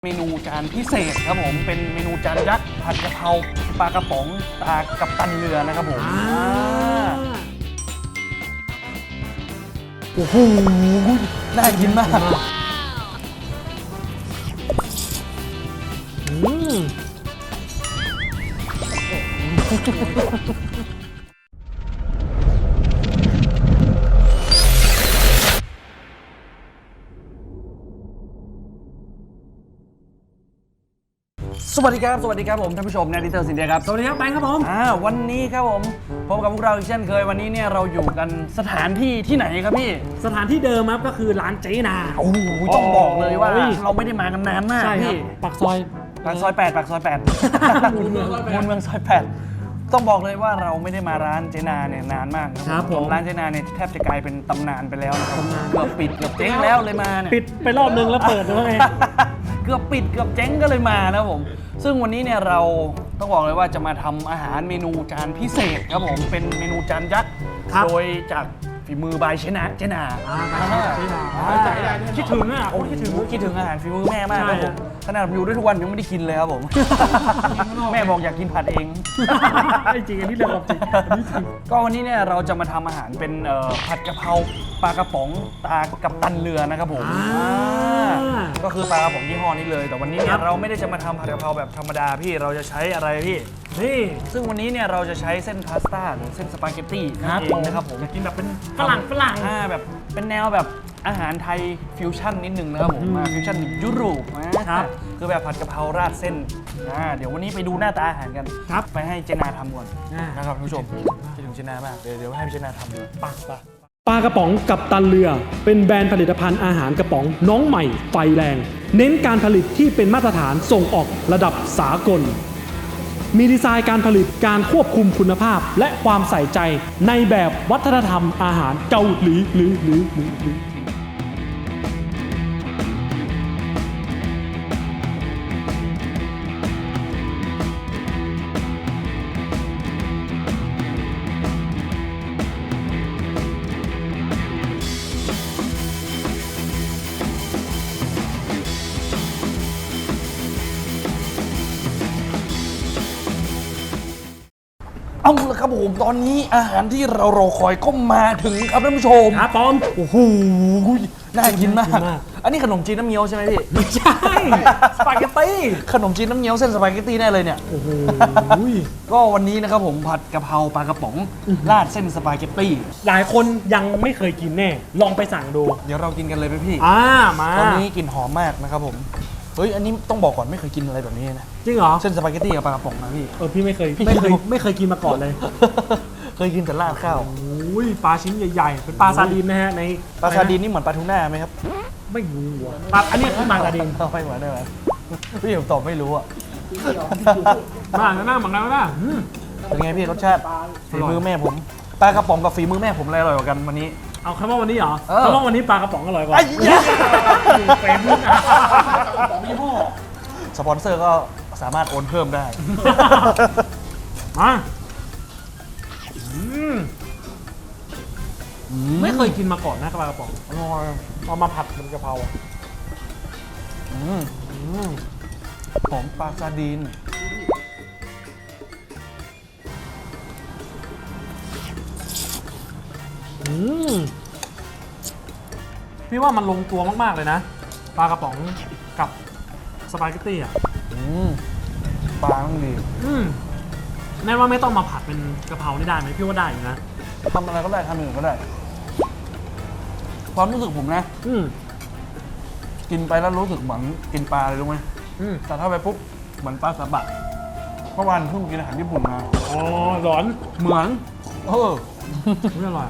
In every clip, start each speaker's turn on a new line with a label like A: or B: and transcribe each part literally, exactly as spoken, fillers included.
A: เมนูจานพิเศษครับผมเป็นเมนูจานยักษ์ผัดกะเพราปลากระป๋องตากับตันเรือนะครับผมโอ้โหน่ากินมากอืมสวัสดีครับสวัสดีครับผมท่านผู้ชมนาดิเตอร์สินเดียครับ
B: สวัสดีครับแบงค์ครับผม
A: อ่าวันนี้ครับผมพบกับพวกเราอีกเช่นเคยวันนี้เนี่ยเราอยู่กันสถานที่ที่ไหนครับพี่
B: สถานที่เดิมครับก็คือร้านเจนา
A: โอ้โหต้องบอกเลยว่าเราไม่ได้มากันนานมากพี่
B: ปากซอย
A: ปากซอยแปดปากซอยแปดมูลเมืองมูลเมืองซอยแปดต้องบอกเลยว่าเราไม่ได้มาร้านเจนาเนี่ยนานมาก
B: ครับผม
A: ร้านเจนาเนี่ยแทบจะกลายเป็นตำนานไปแล้วนะครับเกือบปิดเกือบเจ๊งแล้วเลยมาเนี่ย
B: ปิดไปรอบนึงแล้วเปิดด้วยไง
A: เกือบปิดเกือบเจ๊งก็เลยมานะผมซึ่งวันนี้เนี่ยเราต้องบอกเลยว่าจะมาทำอาหารเมนูจานพิเศษครับผมเป็นเมนูจานยักษ์โดยจากฝีมือบายเจนาเจนา
B: คิดถึงอ่ะโอ้คิดถึง
A: คิดถึงอาหารฝีมือแม่มากครับผมขนาดอยู่ด้วยทุกวันยังไม่ได้กินเลยครับผมแม่บอกอยากกินผัดเอง
B: จริงอันนี้เรื่องจริง
A: ก็วันนี้เนี่ยเราจะมาทำอาหารเป็นผัดกะเพราปลากระป๋องตากับตันเรือนะครับผมก็คือปลากระป๋องยี่ห้อนี้เลยแต่วันนี้เนี่ยเราไม่ได้จะมาทำผัดกะเพราแบบธรรมดาพี่เราจะใช้อะไรพี่
B: นี่
A: ซึ่งวันนี้เนี่ยเราจะใช้เส้นพาสต้าหรือเส้นสปาเกตตี้นั่นเองนะครับผม
B: กินแบบเป็นฝรั่งฝรั่ง
A: อ่าแบบเป็นแนวแบบอาหารไทยฟิวชั่นนิดนึงนะครับผมมาฟิวชั่นยุโรปนะครับคือแบบผัดกะเพราราดเส้นอ่าเดี๋ยววันนี้ไปดูหน้าตาอาหารกัน
B: ครับ
A: ไปให้เจนาทำก่อนนะครับท่านผู้ชมคิดถึงเจนามากเดี๋ยวเดี๋ยวให้พี่เจนาทำเลยปังปะ
B: ปลากระป๋องกัปตันเรือเป็นแบรนด์ผลิตภัณฑ์อาหารกระป๋องน้องใหม่ไฟแรงเน้นการผลิตที่เป็นมาตรฐานส่งออกระดับสากลมีดีไซน์การผลิตการควบคุมคุณภาพและความใส่ใจในแบบวัฒนธรรมอาหารเกาหลีหรือหรือหรือหรือ
A: เอาละครับผมตอนนี้อาหารที่เรารอคอยก็มาถึงครับท่านผู้ชม
B: ครับปอม
A: โอ้โหน่ากินมากอันนี้ขนมจีนน้ำเงี้ยวใช่ไหมพี่
B: ไม่ใช่สปาเกตตี้
A: ขนมจีนน้ำเงี้ยวเส้นสปาเกตตี้แน่เลยเนี่ย
B: โอ้โห
A: ก็วันนี้นะครับผมผัดกะเพราปลากระป๋องราดเส้นสปาเกตตี้
B: หลายคนยังไม่เคยกินแน่ลองไปสั่งดู
A: เดี๋ยวเรากินกันเลยไหมพี่
B: อ่ามา
A: ตอนนี้กลิ่นหอมมากนะครับผมเฮ้ยอันนี้ต้องบอกก่อนไม่เคยกินอะไรแบบนี้นะ
B: จริงเหรอ
A: เส้นสปาเกตตี้กับปลากระป๋องนะพี่
B: เออพี่ไม่เคยไม่เคยไม่เคยกินมาก่อนเลย
A: เคยกินแต่ราดข้าว
B: โอ้ยปลาชิ้นใหญ่ๆเป็นปลาซาดีนนะฮะใน
A: ปลาซาดีนนี่เหมือนปลาทูน่าไหมครับ
B: ไม่รู้อ่ะปลาอันนี้คือปลาซาดีน
A: ไม่เหมือนได้ไหมพี่ผมตอบไม่รู้อ่ะ
B: มาหน้าเหมือนกันนะ
A: เป็นไงพี่รสชาติฝีมือแม่ผมปลากระป๋องกับฝีมือแม่ผมอะไรอร่อยกว่ากันวันนี้
B: เอาคำว่าวันนี้เหรอคำว่าวันนี้ปลากระป๋องอร่อยกว่า
A: เป็นกระป๋องยี่ห้อสปอนเซอร์ก็สามารถโอนเพิ่มได้
B: มาไม่เคยกินมาก่อนนะปลากระป๋อง
A: อร่อย
B: เอามาผัดเป็นกะเพราอ่ะ
A: หอมปลาซาดีน
B: พี่ว่ามันลงตัวมากๆเลยนะปลากระป๋องกับสปาเกตตี้อ่ะ
A: ปลาต้องดี
B: แน่ว่าไม่ต้องมาผัดเป็นกะเพรานี่ได้ไหมพี่ว่าได้อยู่นะ
A: ทำอะไรก็ได้ทำอย่างอื่นก็ได้ความรู้สึกผมนะกินไปแล้วรู้สึกเหมือนกินปลาเลยรู้ไหมแต่ถ้าไปปุ๊บเหมือนปลาสบะเมื่อวานเพิ่งกินอาหารญี่ปุ่นมา
B: อ๋อร้อน
A: เหมือนเออ
B: ไม่อร่อย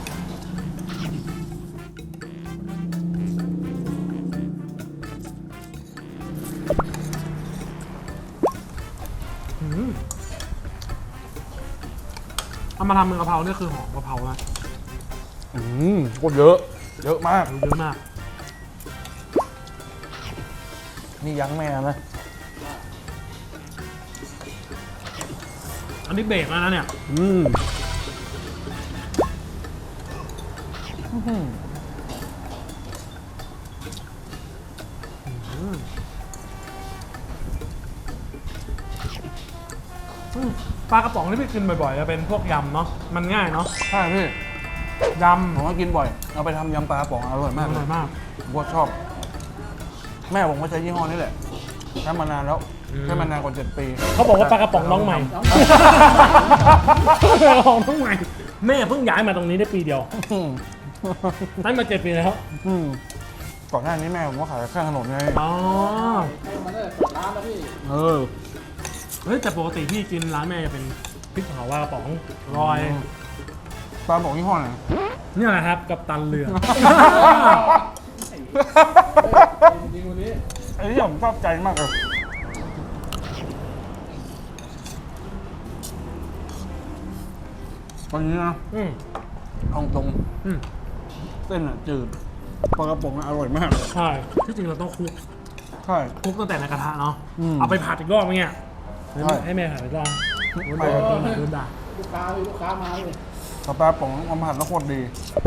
B: เอามาทำเป็นกะเพราเนี่ยคือหอมกะเพรานะ
A: อืมก็เยอะเยอะมาก
B: เยอะมาก
A: นี่ยั้งแม่นะ
B: อันนี้เบรกแล้วนะเนี่ย
A: อืม
B: ปลากระป๋องที่พี่กินบ่อยๆจะเป็นพวกยำเนาะมันง่ายเนาะ
A: ใช่พี่
B: ย
A: ผมก็กินบ่อย เอาไปทำยำปลากระป๋องอร่อย
B: ำ
A: มาก
B: อ
A: เล
B: ร่อย
A: ย
B: มาก
A: ผมก็ชอบ แม่ผมก็ใช้ยี่ห้อนี้แหละใช้มานานแล้ว
B: อืม
A: ใช้มานานกว่าเจ็ดปี
B: เขาบอกว่าปลากระป๋องน้องใหม่ปลากระป๋องน้องใหม่แม่เพิ่งย้ายมาตรงนี้ได้ปีเดียว
A: อืม
B: ได้มาเจ็ดปีแล้ว
A: อืมก่อนหน้านี้แม่ผมก็ขายข้างถนนไง
B: อ๋อ
C: มันได้เปิดร้านแล้วพี่
A: เออ
B: เฮ้ยแต่ปกติพี่กินร้านแม่จะเป็นพริกเผาว่ากระป๋องรอย
A: ปลากระป๋องยี่ห้อไหน
B: เนี่ยแหละครับกับตันเรือ
C: จริงวันนี้
A: ไอ้ที่ผมชอบใจมากเลยวันนี้นะ
B: อืม
A: เอาตรง
B: อืม
A: เส้นอ่ะจืดปลากระป๋องอะอร่อยมาก
B: ใช่ที่จริงเราต้องคลุก
A: ใช่
B: คลุกตั้งแต่ในกระทะเนาะ
A: อืม
B: เอาไปผัดอีกรอบไหมเนี่ย
A: ใช่
B: ให้แม่ผัดอีกรอบ
A: ไม่
B: โดนโดนด่า
C: ลูกค้าพี่ลูกค้ามาเลย
A: ปลากระป๋องเอามาผัดแล้วโคตรดี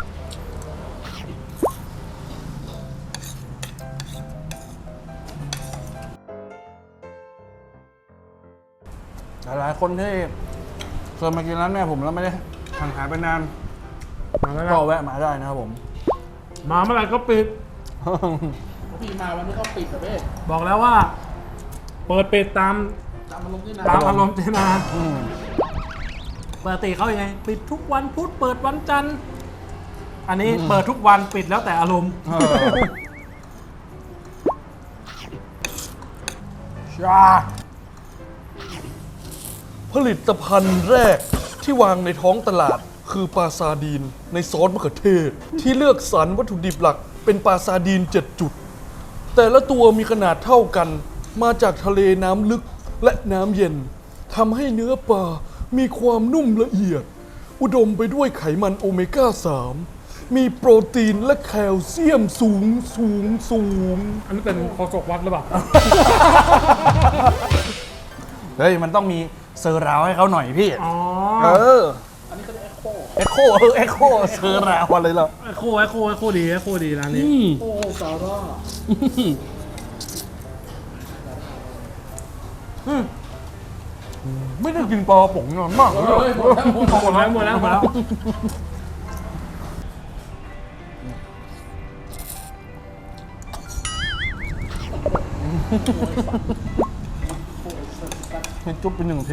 A: หลายๆคนที่เคยมากินร้านแม่ผมแล้วไม่ได้ห่างหายไปนาน
B: มาแล้ว
A: ก็แวะมาได้นะครับผม
B: มาเมื่อไหร่ก็ปิด
C: พี่มาวันนี้เขาปิดแต่เบ้
B: บอกแล้วว่า เปิดปิดตาม
C: ตามมาลงที่นา
B: ตามอารมณ์เจนา
A: อืม
B: ปกติเขายังไง ปิดทุกวันพุธเปิดวันจันทร์อันนี้เปิดทุกวันปิดแล้วแต่อารมณ์
A: เออชาผลิตภัณฑ์แรกที่วางในท้องตลาดคือปลาซาดีนในซอสมะเขือเทศ ที่เลือกสรรวัตถุดิบหลักเป็นปลาซาดีนเจ็ดจุด แต่ละตัวมีขนาดเท่ากัน มาจากทะเลน้ำลึกและน้ำเย็นทำให้เนื้อปลามีความนุ่มละเอียด อุดมไปด้วยไขมันโอเมก้า สาม มีโปรตีนและแคลเซียมสูงสูงสูง
B: อันนี้เป็นโคศกวัดหรือเปล่า
A: เฮ้ย มันต้องมีเซอร์ราวให้เขาหน่อยพี่
B: อ๋อ
A: เออ
C: อันนี้เขาเรียกเอ็กโค
A: เอ็กโคเออเอ็กโคเซอร์ราวอะไรล่ะ
B: ไอโคไอโคไอโคดีไอโคดีร้านนี้
C: โอ้ซาร่า
A: ไม่ได้กินปลาป๋องนานมากเลย
C: เฮ้ยหมดแล้วหมดแล้ว
B: หมดแล้วหมดแล้วหมดแล้ว
A: ให้จุ๊บไปหนึ่งที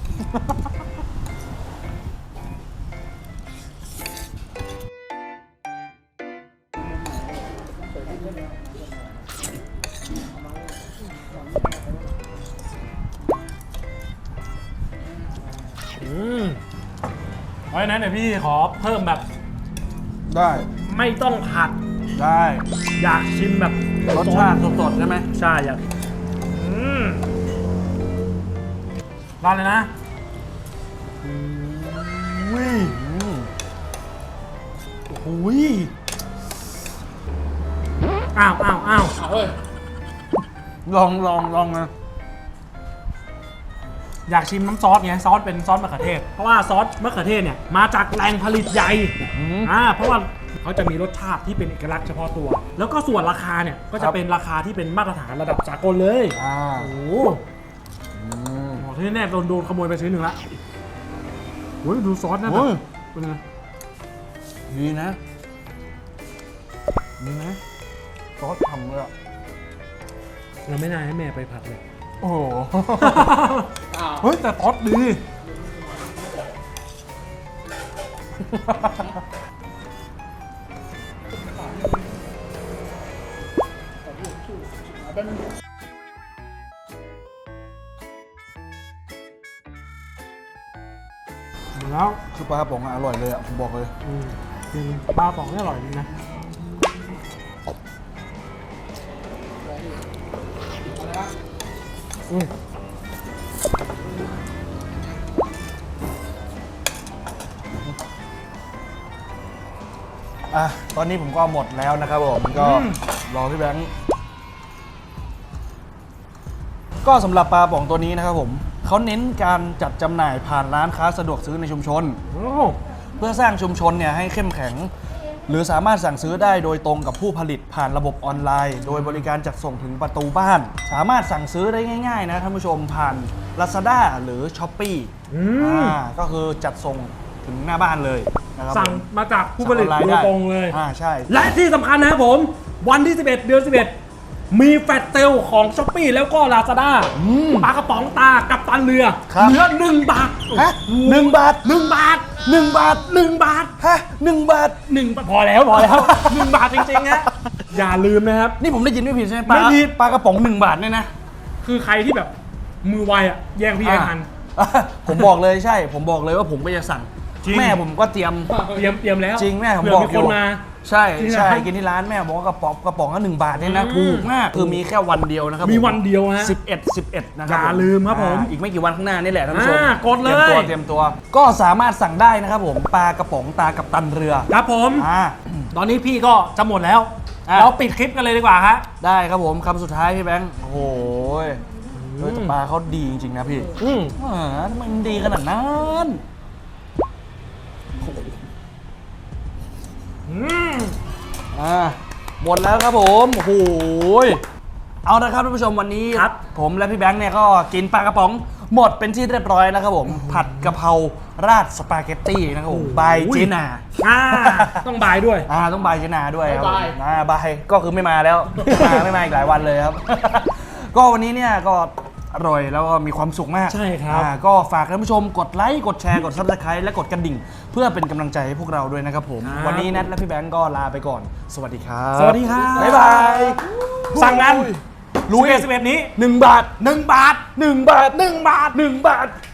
B: อืมเพราะฉะนั้นเดี๋ยวพี่ขอเพิ่มแบบ
A: ได้
B: ไม่ต้องผัด
A: ได้
B: อยากชิมแบบ
A: รสชาติสดๆใช่ไหม
B: ใช่อยากอืมร้านเลยนะ
A: วิโอ้ย
B: อ้าวอ้าวอ้าว
C: เอาเฮ้ย
A: ลองลองลองนะ
B: อยากชิมน้ำซอสไงซอสเป็นซอสมะเขือเทศ เพราะว่าซอสมะเขือเทศเนี่ยมาจากแหล่งผลิตใหญ่อ่าเพราะว่าเขาจะมีรสชาติที่เป็นเอกลักษณ์เฉพาะตัว แล้วก็ส่วนราคาเนี่ยก็จะเป็นราคาที่เป็นมาตรฐานระดับสากลเลย
A: อ่า
B: โอ้โห
A: อืม
B: โอ้ที่แน่โดนโดนขโมยไปชิ้นหนึ่งละโอ้ยดูซอสนะแบ
A: โอ้
B: บ
A: ย
B: เป็นไง
A: ดีนะดีนะซอสทำเลยอ่ะ
B: เราไม่น่าให้แม่ไปผัดเลย
A: โอ้โห
C: อ้าว
B: เฮ้ยแต่ซอสดี
C: เป็น
B: มาแล้ว
A: คือปลากระป๋องอะอร่อยเลยอ่ะผมบอกเลย
B: อืมจริงปลาป๋องนี่อร่อยจริงนะ อืม
A: อ่ะตอนนี้ผมก็หมดแล้วนะครับผมก็รอพี่แบงค์ก็สำหรับปลาป๋องตัวนี้นะครับผมเขาเน้นการจัดจำหน่ายผ่านร้านค้าสะดวกซื้อในชุมชน
B: โอ้
A: เพื่อสร้างชุมชนเนี่ยให้เข้มแข็งหรือสามารถสั่งซื้อได้โดยตรงกับผู้ผลิตผ่านระบบออนไลน์ โดยบริการจัดส่งถึงประตูบ้าน สามารถสั่งซื้อได้ง่ายๆนะท่านผู้ชมผ่าน Lazada หรือ Shopee
B: อืม
A: อ่าก็คือจัดส่งถึงหน้าบ้านเลยนะครับ
B: สั่ง
A: ผม
B: มาจากผู้ผลิต
A: สั่งออน
B: โด
A: ไน์
B: ย
A: ได้
B: ตรงเลย
A: อ่าใช่
B: และที่สำคัญนะครับผม วันที่ สิบเอ็ด เดือน สิบเอ็ด มีแฟลชเซลของ Shopee แล้วก็ Lazada ปลากระป๋องตากับตันเรือ
A: ครับ
B: เหลือหนึ่งบาท
A: ฮะหนึ่งบาท
B: หนึ่งบาท
A: หนึ่งบาท
B: หนึ่งบาท
A: ฮะหนึ่งบาท
B: หนึ่งบาทพอแล้วพอแล้ว หนึ่งบาทจริงๆฮะอย่าลืมนะครับ
A: นี่ผมได้ยินไม่ผิดใช่ไหมปลา
B: ไม่ผิด
A: ปลากระป๋องหนึ่งบาทเนี่ยนะ
B: คือใครที่แบบมือไวอ่ะแย่งพี่ไอ้ทัน
A: อ่ะผมบอกเลยใช่ ผมบอกเลยว่าผมก็จะสั่ง
B: จริง
A: แม่ผมก็เตรียม
B: เตรียมเตรียมแล้ว
A: จริงแม่ผม
B: เผื่
A: บอก
B: มี
A: อ
B: ค
A: ยู่
B: นมา
A: ใช่
B: ที่
A: ใช่
B: ร้าน
A: กินที่ร้านแม่บอกว่ากระป๋องกระป๋องละหนึ่งบาทเนี่ยนะ
B: อืม
A: ถูกมากคือมีแค่วันเดียวนะครับ
B: มี
A: ผ
B: วันเดียวฮะ
A: สิบเอ็ด สิบเอ็ดนะครั
B: อย่าลืมครับผม
A: อ่าอีกไม่กี่วันข้างหน้านี่แหละท่านผู้ชม
B: อ่ากดเลย
A: เตรียมตัวเตรียมตัว ก็สามารถสั่งได้นะครับผมปลากระป๋องตากับตันเรือ
B: ครับผม
A: อ่า
B: ตอนนี้พี่ก็จะหมดแล้ว
A: อ่ะ
B: เราปิดคลิปกันเลยดีกว่าฮะ
A: ได้ครับผมคำสุดท้ายพี่แบงค์โอ้โหเออแต่ปลาเขาดีจริงๆนะพี่
B: อืม
A: อ่าทำไมมันดีขนาดนั้น
B: อืม
A: อ่าหมดแล้วครับผมโอ้โหเอาละครับท่านผู้ชมวันนี้
B: ครับ
A: ผมและพี่แบงค์เนี่ยก็กินปลากระป๋องหมดเป็นที่เรียบร้อยแล้วครับผม ผัดกะเพราราดสปาเกตตี้นะครับผมบายเจนา
B: อ่าต้องบายด้วย
A: อ่าต้องบายเจนาด้วยครับผม
C: บ๊ายบาย
A: อ่าบายก็คือไม่มาแล้ว ไม่มาไม่มาอีกหลายวันเลยครับ ก็วันนี้เนี่ยก็อร่อยแล้วก็มีความสุขมาก
B: ใช่ครับ
A: อ่าก็ฝากท่านผู้ชมกดไลค์กดแชร์กด ซับสไครบ์และกดกระดิ่ง เพื่อเป็นกำลังใจให้พวกเราด้วยนะครับผม
B: ครับ
A: วันนี้นัทและพี่แบงก์ก็ลาไปก่อน สวัสดีครับ
B: สวัสดีครับ
A: บ๊ายบาย
B: สั่งกัน
A: รู้
B: รู้
A: เอ
B: สิบเอ็ดนี้
A: หนึ่งบาท
B: หนึ่งบาท
A: หนึ่งบาท
B: หนึ่งบาท
A: หนึ่งบาท